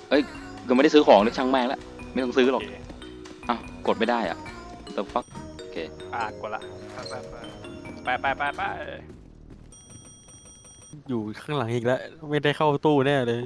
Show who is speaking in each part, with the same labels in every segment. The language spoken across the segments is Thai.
Speaker 1: เอ้ยก็ไม่ได้ซื้อของเลยช่างแม่งละไม่ต้องซื้อหรอก
Speaker 2: โเค
Speaker 1: อ้าวกดไม่ได้อ่ะ the fuck โอเค
Speaker 2: กดละไป
Speaker 3: อยู่ข้างหลังอีกแล้วไม่ได้เข้าตู้แน่เลย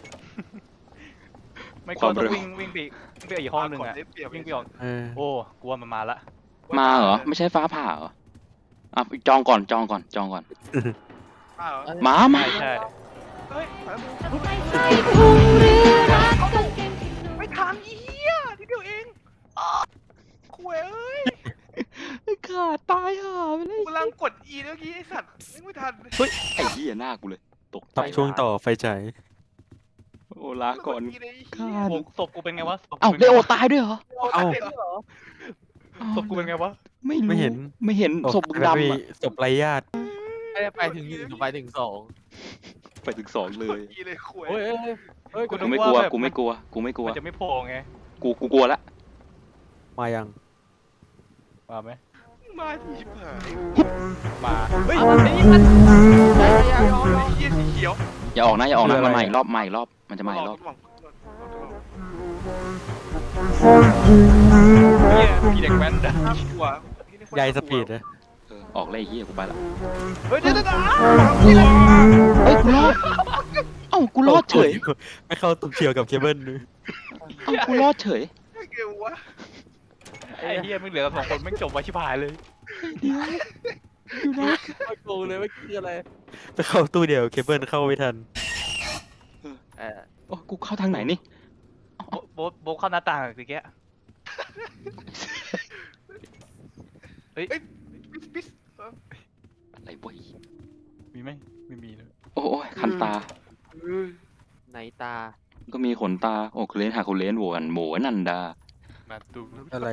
Speaker 2: ไม่
Speaker 1: ค
Speaker 2: ก็
Speaker 1: วาม
Speaker 2: ต้อง
Speaker 1: เร็ว
Speaker 2: วิ่งไปอีกห้องหนึ่งอะ
Speaker 4: ได้เปรียบ
Speaker 2: วิ่งไปออก
Speaker 3: เออ
Speaker 2: โอ้กลัวมันมาละ
Speaker 1: มาเหรอไม่ใช่ฟ้าผ่าเหรออ่ะจองก่อนจองก่อนจองก่อน
Speaker 4: อ้าว
Speaker 1: หมามา
Speaker 2: ใช่
Speaker 4: เฮ้ยไปแล้วมึง
Speaker 5: ไม่ใช่พุงหรือรักกางเกงที่นุ่ม
Speaker 4: ไม่ทันอีเหี้ยทีเดียวเองคุยเอ้ย
Speaker 1: ขาดตายห่าไปเลย
Speaker 4: กูกำลังกด E เมื่อกี้ไอ้สัตว์ไม่ทัน
Speaker 1: ไอ้เหี้ยหน้ากูเลยตกใจ
Speaker 3: ตับช่วงต่อไฟฉาย
Speaker 1: โอ้ลาก่อน
Speaker 4: ด E เลยไอ้
Speaker 1: ขา
Speaker 4: เหี้ย
Speaker 1: ด
Speaker 2: โอ้ศพกูเป็นไงวะศพกู
Speaker 1: เอ้า
Speaker 2: ป็น
Speaker 1: เล
Speaker 2: ไง
Speaker 1: โอ
Speaker 2: วะ
Speaker 1: ตายด้วยเหรอ
Speaker 3: เอ้า
Speaker 2: ศพกูเป็นไงวะ
Speaker 1: ไม่รู้
Speaker 3: ไม่เห็น
Speaker 1: ไม่เห็นศพมึงดำอะ
Speaker 3: ศพไร้ญาติ
Speaker 6: ไม่ได้ไปถึงหนึ่งหรือไปถึงสอง
Speaker 1: ไปถึงสองเลย
Speaker 4: กด E เลยคุย
Speaker 6: เฮ้ยเฮ้ย
Speaker 1: กูไม่กลัวกูไม่กลัวกูไม่กลัว
Speaker 2: มันจะไม่โผล่ไง
Speaker 1: กูกลัวละ
Speaker 3: มายัง
Speaker 2: มาไหม
Speaker 4: มาทีผ่าน
Speaker 2: มา
Speaker 4: เฮ้ย
Speaker 6: เอาไอ้นี่มันไอ้ยายอม
Speaker 4: ไอ้เหี้ยสีเขียว
Speaker 1: อย่าออกนะอย่าออกนะ
Speaker 3: คืออะไร
Speaker 1: มันมาอีกรอบมาอีกรอบมันจะมาอีกรอบ
Speaker 2: เนี่ยพี่เด็กแว้นด่า
Speaker 4: น่ากลัวย
Speaker 3: ายสปีดนะ
Speaker 1: ออกเลยไอ้เหี้ยกูไปละ
Speaker 4: เฮ้ยเดี๋ยว
Speaker 1: เฮ้ยกูรอดเอ้ากูรอดเฉย
Speaker 3: ไม่เข้าตุกเฉียวกับเคเบิลเลย
Speaker 1: เอ้ากูรอดเฉย
Speaker 4: เกี่ยววะ
Speaker 2: ไอ้เฮียไม่งเหลือกันสองคนไม่งจบไว้ชิบหายเลย
Speaker 1: อยู่นะ
Speaker 6: ไม่โกงเลยว่าคืออะไร
Speaker 3: ไปเข้าตู้เดียวเคเบิลเข้าไม่ทัน
Speaker 1: โอ้กูเข้าทางไหนนี่
Speaker 2: โบ๊ทเข้าหน้าต่างสิแก
Speaker 4: ปิส
Speaker 1: อะไรวะ
Speaker 2: มีไหมไม่มีเลย
Speaker 1: โอ้ยคันตา
Speaker 6: ไหนตา
Speaker 1: ก็มีขนตาโอ้เคเลนหาเคเลนโหวนโหนันดา
Speaker 2: มาดู
Speaker 3: อะไร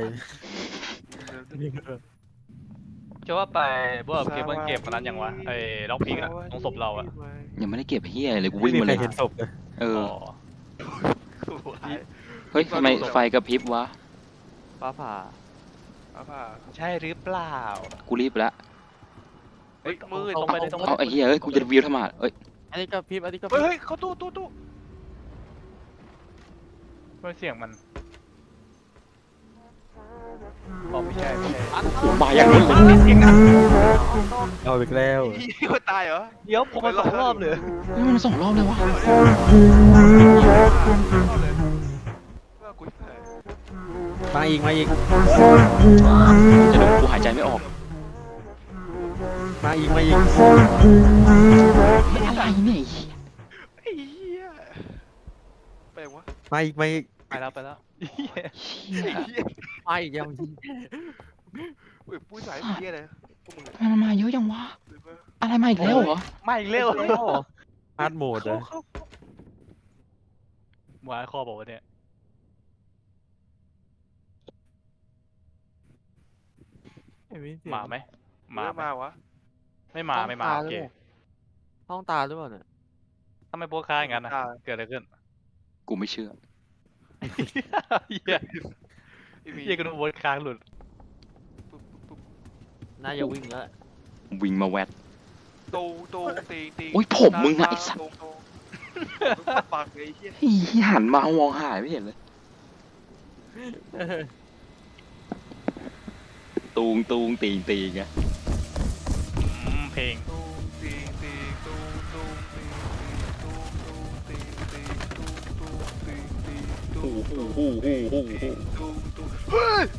Speaker 2: จะว่าไปพวกเก็บวันเก็บมันนั้นยังวะไอ้ล็อกพิงอะตรงศพเราอะ
Speaker 1: ยังไม่ได้เก็บเฮียเลยกู
Speaker 3: ไม่
Speaker 1: วิ่ง
Speaker 3: มี
Speaker 1: มา
Speaker 3: ใคร
Speaker 1: เลย
Speaker 3: เห็นศพเลย
Speaker 1: เออ
Speaker 2: อ๋อ
Speaker 1: เฮ้ยทำไมไฟกระพริบวะ
Speaker 6: ฟ้าผ่า
Speaker 4: ผ่า
Speaker 2: ใช่หรือเปล่า
Speaker 1: กูรีบละ
Speaker 2: เฮ้ยมือตรงไปเลยตรงไป
Speaker 1: เอาไอ้เฮียเอ้ยกูจะวิวทำไมเอ้ย
Speaker 6: อันนี้ก็พริบอันนี้ก็พ
Speaker 4: เฮ้
Speaker 6: ริ
Speaker 4: ย
Speaker 6: บ
Speaker 4: เฮ้ยเขาตู้
Speaker 2: ไม่เสียงมันอ๋อไม่ใช่ไม่ใช่
Speaker 1: โอ้มาอย่างนั้นเลย
Speaker 4: เสียงดัง
Speaker 3: เอาอีกแล้ว
Speaker 4: อีคนตายเหรอ
Speaker 2: เดี๋ยวผมมาสองรอบเลย
Speaker 1: เฮ้ยมันสองรอบเลยวะ
Speaker 4: ว่ากูตาย
Speaker 3: มาอีกมาอีก
Speaker 1: จะโดนกูหายใจไม่ออก
Speaker 3: มาอีกมาอีก
Speaker 1: อะไรเนี่ย
Speaker 4: ไอ้เหี้ยไปวะ
Speaker 3: มาอีกมาอีก
Speaker 2: ไปแล้วไปแล้ว
Speaker 1: เชี่ย
Speaker 4: ไอ้เหี้ย
Speaker 6: มาอีกยัง
Speaker 4: เฮ้ยปุ้ยสายเหี้ยเลยพวกมึง
Speaker 1: ทำไมมันมาเยอะจังวะอะไรมาอีกแล้วเหรอ
Speaker 2: ไม่อีกเร็ว
Speaker 3: ฮาร์ดโหมดเลย
Speaker 2: หวายคอบอกว่าเนี่ย
Speaker 6: ไม่มีเสียง
Speaker 2: มาไหม
Speaker 4: มา
Speaker 2: ไห
Speaker 4: มาวะ
Speaker 2: ไม่มาไม่มาโอเค
Speaker 6: ห้องตาหรือเปล่าเนี่ย
Speaker 2: ทำไมโพสค้าอย่างนั้นนะเกิดอะไรขึ้น
Speaker 1: กูไม่เชื่อ
Speaker 2: เฮีย
Speaker 4: ไอ้มี
Speaker 2: เฮียกันโพสค้างหลุด
Speaker 6: น่าจะวิ่งแล้ว
Speaker 1: วิ่งมาแวด
Speaker 4: ตูตี
Speaker 1: โอ้ยผมมึงอะไอ้สัตว์
Speaker 4: ตูปากเลยไอ้เหี้ย
Speaker 1: เฮียหันมามองหายไม่เห็นเลยตูงตีไง
Speaker 2: เพลง
Speaker 4: ตูตีตูตีตู
Speaker 1: โอ้โห
Speaker 4: ตูเฮ้ย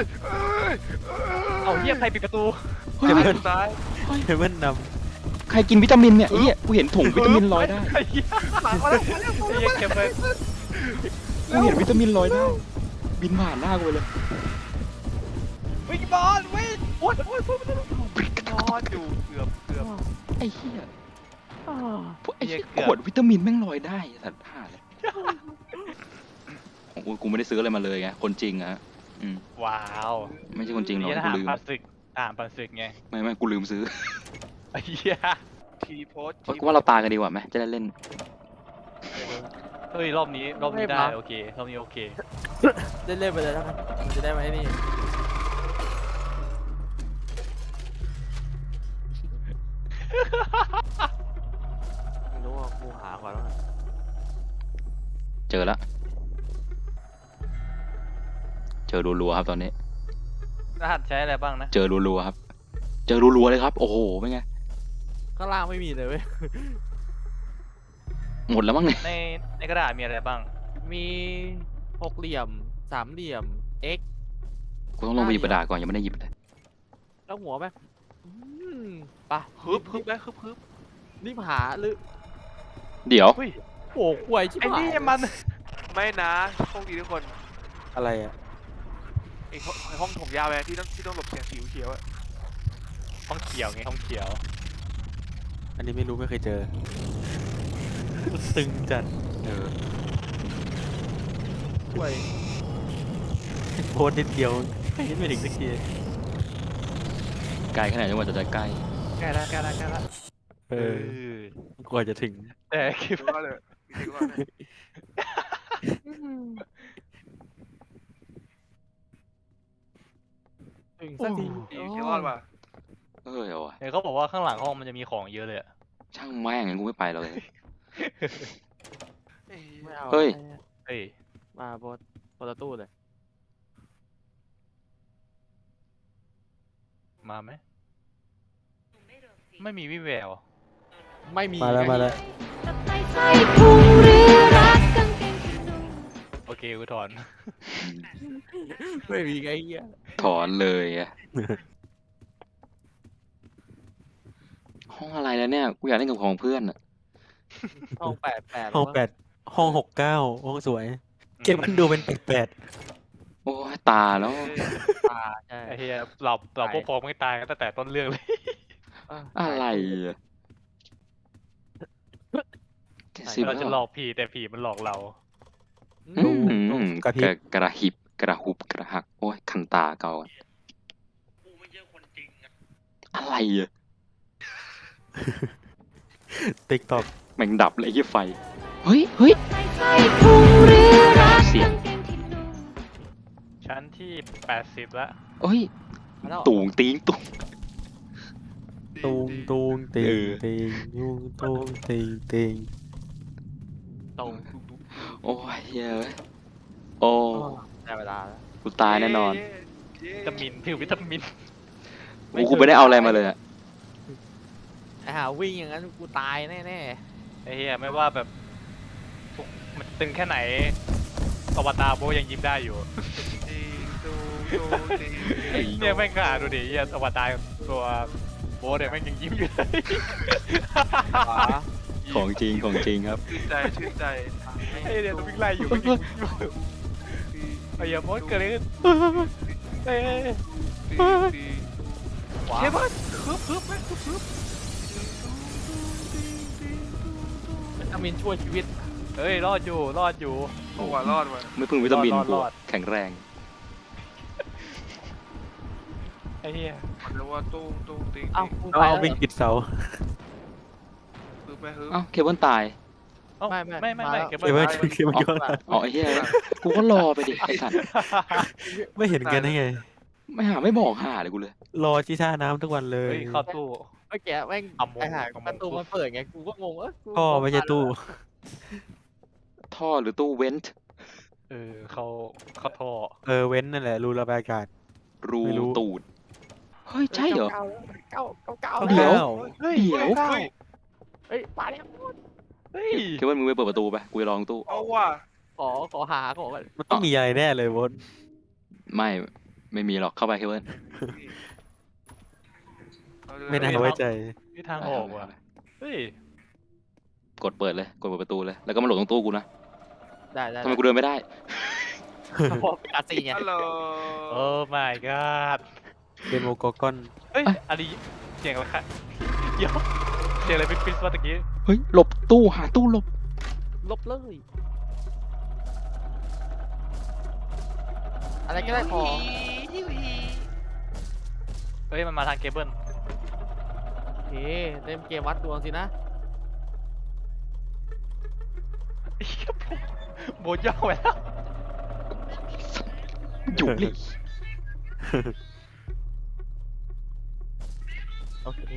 Speaker 2: เอาเฮียใครปิดประตู
Speaker 1: เฮ้ย
Speaker 4: ตาย
Speaker 3: เคเบิลน
Speaker 1: ใครกินวิตามินเนี่ยไอ้เหี้ยกูเห็นถุงวิตามินลอยได้
Speaker 2: ไอ้เฮีย
Speaker 4: หลังมาแล้ว
Speaker 2: ไอ้เฮียเก็บเลย
Speaker 1: กูเห็นวิตามินลอยได้ บินผ่านหน้ากูเลย
Speaker 4: วิ่งบอลวิ่งโอ๊ยบอลอยู่เกือบ
Speaker 1: ไอ้เหี้ยพวกไอ้เหี้ยขวดวิตามินแม่งลอยได้สัตว์ผ่าเลยของกูไม่ได้ซื้ออะไรมาเลยไงคนจริงอะอืม
Speaker 2: ว้าว
Speaker 1: ไม่ใช่คนจริงหรอก
Speaker 2: เฮียท
Speaker 1: กู
Speaker 2: หาร
Speaker 1: ลืม
Speaker 2: พลาสติกทหารพลาสติกไง
Speaker 1: ไม่กูลืมซื้อ
Speaker 2: ไอ้เฮีย
Speaker 4: ทีโพส
Speaker 1: กูว่าเราตายกันดีกว่าไหมจะได้เล่น
Speaker 2: เฮ้ยรอบนี้ได้โอเครอบนี้โอเค
Speaker 6: เล่นๆไปเลยแล้วกันมันจะได้ไหมนี่ไม่รู้ว่ากูหาก่อนแล้วกัน
Speaker 1: เจอแล้วเจอรัวๆครับตอนนี้
Speaker 2: รหัสใช้อะไรบ้างนะ
Speaker 1: เจอรัวๆครับ เจอรัวๆเลยครับ โอ้โหเป็นไง
Speaker 6: ข้างล่างไม่มีเลยเว้ย
Speaker 1: หมดแล้วมั้งเนี่ย
Speaker 2: ในกระดาษมีอะไรบ้าง
Speaker 6: มีหกเหลี่ยมสามเหลี่ยม x
Speaker 1: กูต้องลงไปหยิบกระดาษก่อนยังไม่ได้หยิบเลย
Speaker 6: แล้วหัวไหมอืมไปะ
Speaker 4: ฮึบฮึบได้ฮึบ
Speaker 6: รีบหาหรือ
Speaker 1: เดี๋ยว
Speaker 2: อุ้ย
Speaker 6: โอ้ควยชิบ
Speaker 2: ไอ้
Speaker 6: หาย
Speaker 2: นี่มัน
Speaker 4: ไม่นะโชคดีทุกคน
Speaker 3: อะไรอ่ะ
Speaker 4: ไอ้ห้องถงยาวไปที่ต้องหลบเสียงสีเขียวอะ
Speaker 2: ห้องเขียวไงห้องเขียว
Speaker 3: อันนี้ไม่รู้ไม่เคยเจอ ตึงจัด
Speaker 1: เออ
Speaker 6: ควย
Speaker 3: โพสต์นิดเดียวไม่เห็นไม่ถึงสักที
Speaker 1: ไกลขนาดนี้ว่าจะใกล้
Speaker 2: ใกล้ละใกล้ละใกล้ละ
Speaker 3: เออกว่าจะถึง
Speaker 2: แต่คิด
Speaker 4: คิด
Speaker 2: ว่า
Speaker 4: ว่าเลยคิดว่าเลย
Speaker 6: ถึงสักที
Speaker 4: คิดว่าว่ะ
Speaker 1: เออเอาวะ
Speaker 2: เห็นเขาบอกว่าข้างหลังห้องมันจะมีของเยอะเลยอะ
Speaker 1: ช่างแม่งงั้นกูไม่ไปเลย
Speaker 6: ไม่เอา
Speaker 1: เฮ้ย
Speaker 2: เฮ้ย
Speaker 6: มาโพสต์ตู้เลย
Speaker 2: มาไหมไม่มีวิแวว
Speaker 6: ไม่มี
Speaker 3: มาแล้วมาแล้ว
Speaker 5: ตับไตไส้พุงหรือรักกางเกงขานุ่ม
Speaker 2: โอเคกูถอน
Speaker 6: ไม่มีไงเหี้ย
Speaker 1: ถอนเลยอะห้องอะไรแล้วเนี่ย กูอยากเล่นกับของเพื่อนอะ
Speaker 6: ห้อง8
Speaker 3: ห้องแปดห้อง69ห้องสวย เก็บมันดูเป็น8
Speaker 1: โอ้ยตาแล้ว
Speaker 6: ตาใช่
Speaker 2: ไอ้เหี้ยเราพวกพ้องไม่ตายกันตั้งแต่ต้นเรื่องเลย
Speaker 1: อะไรอะ70
Speaker 2: เรา
Speaker 1: แล้ว
Speaker 2: จะ
Speaker 1: เห
Speaker 2: หล
Speaker 1: รอ
Speaker 2: อกผีแต่ผีมันหลอกเรา
Speaker 1: อืม
Speaker 3: กระพริบ
Speaker 1: กระหิบกระหุบกระหัก โอ้ยคันตาเก่าอะอะไรอะ
Speaker 3: ติ๊กต็อก
Speaker 1: แม่งดับเลยยี่ไฟ เฮ้ยเฮ้ย
Speaker 5: ตับไตไส้พุงหรือรัก
Speaker 1: เสียง
Speaker 5: กางเกงที่นุ่ม
Speaker 2: ชั้นที่80ละ
Speaker 1: เอ้ย
Speaker 6: มาแล้ว
Speaker 1: ตูงตีงตุง
Speaker 3: ตูงตูงติ
Speaker 1: เอง อ
Speaker 3: ติงตูงตูงติงติง
Speaker 6: ตรง
Speaker 1: โอ้ยเฮ้ยโอ้
Speaker 6: ได้เวลาแล้ว
Speaker 1: กูตายแน่นอน
Speaker 2: วิตามินถือวิตามิน
Speaker 1: กูไม่ได้เอาอะไรมาเลยอะ
Speaker 6: ไอ้หาวิ่งอย่างนั้นกูตายแน่
Speaker 2: ไอ้เหี้ยไม่ว่าแบบทุกมันตึงแค่ไหนอวตารโบยังยิ้มได้อยู่ เนี่ยแม่งก็อ่านดูดิเหี้ยอวตารตัวโบเนี่ยแม่งยังยิ้มอยู่เลย
Speaker 6: ๆขวา
Speaker 1: ของจริงของจริงครับ
Speaker 4: ชื่นใจ
Speaker 2: ไอ้เนี่ยตัววิ่งไล่อยู่วิ่งอยู่ไอ้เหี้ยโบเกิดอะไรขึ้นเอ้ย
Speaker 6: ขวา
Speaker 2: เฮ้ยบอสฮึบแม่งฮึบ
Speaker 6: วิตามินช่วยชีวิต
Speaker 2: เฮ้ยรอดอยู่รอดอยู่
Speaker 4: โอ้ว่ารอดว่ะ
Speaker 1: ไม่พึ่งวิตามิน
Speaker 2: รอด
Speaker 1: กู
Speaker 2: รอด
Speaker 1: แข็งแรง
Speaker 2: ไอ้เหี้ย
Speaker 4: มันเรียกว่าตุ้งติ๊ง
Speaker 6: เอ้ากู
Speaker 3: เอา
Speaker 6: ไป
Speaker 3: เอา
Speaker 6: แล้ว
Speaker 3: วิ่งปิดเสา
Speaker 4: ฮึบไหมฮึบ
Speaker 1: เอ้าเคเบิลตาย
Speaker 2: เอ้า
Speaker 6: ไม่
Speaker 2: เก็บ
Speaker 3: เก็บไว้เก็บไว้ก่อน
Speaker 1: อ๋อไอ้เหี้ยกูก็รอไปดิไอ้สัตว์
Speaker 3: ไม่เห็นกันได้ไง
Speaker 1: ไม่หาไม่บอกหาเลยกูเลย
Speaker 3: รอที่ท่าน้ำทุกวันเลย
Speaker 2: เฮ้ยเข้าตู้
Speaker 6: เมื่อกี้แม่ง
Speaker 2: เอาโมง
Speaker 6: ไอ้หา
Speaker 2: เอาโมง
Speaker 6: ประตูมันเปิดไงกูก็งงกู
Speaker 3: พ่อไม่ใช่ตู้
Speaker 1: ท่อหรือตู้เว้นท์
Speaker 2: เขาท่อ
Speaker 3: เว้นนั่นแหละรูระบายอากาศ
Speaker 1: รู
Speaker 3: ไม่รู้
Speaker 1: ตูด เฮ้ย ใช่เหรอ
Speaker 6: เก้า
Speaker 1: เดี๋ยว
Speaker 2: เฮ้ย
Speaker 1: เดี๋ยว
Speaker 6: เฮ้ยมาแล้ว
Speaker 2: เฮ้ย
Speaker 1: เคเบิลมึงไปเปิดประตูไป กูจะลองตู้
Speaker 4: เอาว่ะ
Speaker 6: ขอหาก่อน
Speaker 3: มันต้องมีอะไรแน่เลยบน
Speaker 1: ไม่มีหรอกเข้าไปเคเบิล
Speaker 3: ไม่น่าไว้ใจ
Speaker 2: นี่ทางออกว่ะเฮ้ย
Speaker 1: กดเปิดเลย กดเปิดประตูเลย แล้วก็มาโหลดตรงตู้กูนะ
Speaker 6: ได้
Speaker 1: ทำไมกูเดินไม่ได้
Speaker 6: เพราะเป็นอาซีไง
Speaker 4: ฮัลโหล
Speaker 2: โอ้ my god
Speaker 3: เป็นโมโกกอน
Speaker 2: เฮ้ยอันนี้เสียงอะไรคะเดี๋ยวเสียงอะไรปิ๊บๆมาตะกี้
Speaker 1: เฮ้ย หลบตู้หาตู้หลบ
Speaker 6: ลบเลย อะไรก็ได้ขอ
Speaker 2: เฮ้ยมันมาทางเคเบิล
Speaker 6: โอเคเล่นเกมวัดดวงสินะ
Speaker 2: โบย่อไปแล้ว
Speaker 1: อยู่นี่
Speaker 6: โอเค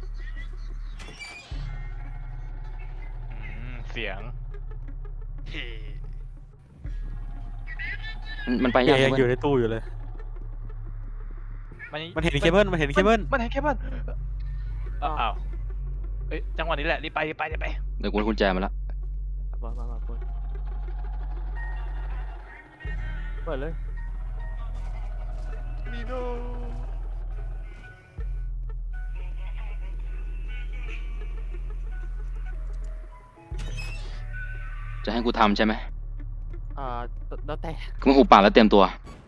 Speaker 2: เสียง
Speaker 4: เฮ้
Speaker 1: มันไป
Speaker 3: เฮี
Speaker 1: ยั
Speaker 3: ย
Speaker 1: ง
Speaker 3: ยัง
Speaker 1: เว้
Speaker 3: อย ยู่ในตู้อยู่เลย มันเห็นเคเบิลมันเห็นเคเบิล
Speaker 2: มันเห็นเคเบิลอ้าวเอ้ยจังหวะนี้แหละรีบไป
Speaker 1: เดี๋ยวกูให้กุญแจมาละ
Speaker 6: มาเปิดเปิดเลย
Speaker 2: นีโน่
Speaker 1: จะให้กูทำใช่ไหม
Speaker 6: แล้วแต่
Speaker 1: กูมาหูปากแล้วเตรียมตัว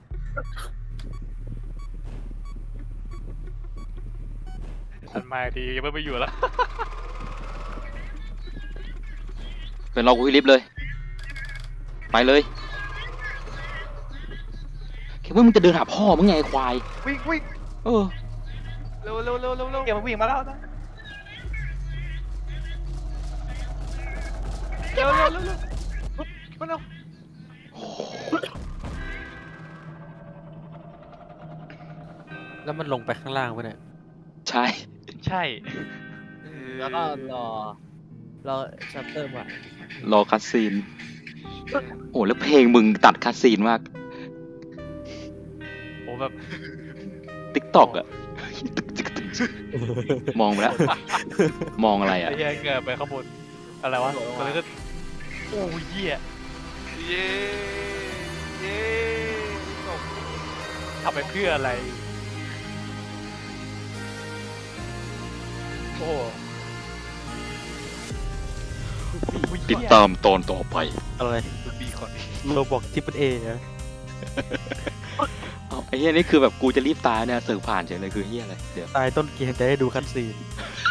Speaker 2: ทันมาทียังไม่อยู่แล้ว
Speaker 1: เป็นรอกูที่ลิฟต์เลย ไปเลยคิดว่ามึงจะเดินหาพ่อมึงไงไอ้ควาย
Speaker 2: วิ่ง
Speaker 1: เออ
Speaker 2: เร็วอย่ามาวิ่งมาแล้วนะเร็วมาเร็ว
Speaker 3: แล้วมันลงไปข้างล่างปะเนี่ย
Speaker 1: ใช่
Speaker 2: ใช่
Speaker 6: แล้วก็รอชัปเตอร์มาร
Speaker 1: อคัสซีน โอ้แล้วเพลงมึงตัดคัสซีนมาก
Speaker 2: โอ้แบบ
Speaker 1: ติ๊กตอกอะมองไปแล้ว มองอะไรอะ
Speaker 2: ไอ้เหี้ยเกิดไปข้างบนอะไรวะก็เลยก็โอ้ยเหี้ยเย้ทำไปเพื่ออะไรโอ้
Speaker 1: ติดตามตอนต่อไป
Speaker 3: อะไร
Speaker 2: ดูบีก่อน
Speaker 3: โรบอกทิปเปิลเอนะ
Speaker 1: เอาไอ้เหี้ยนี่คือแบบกูจะรีบตายเนี่ยเสิร์ฟผ่านเฉยเลยคือเหี้ยอะไรเดี๋ยว
Speaker 3: ตายต้นเกมจะได้ดูคัตซีน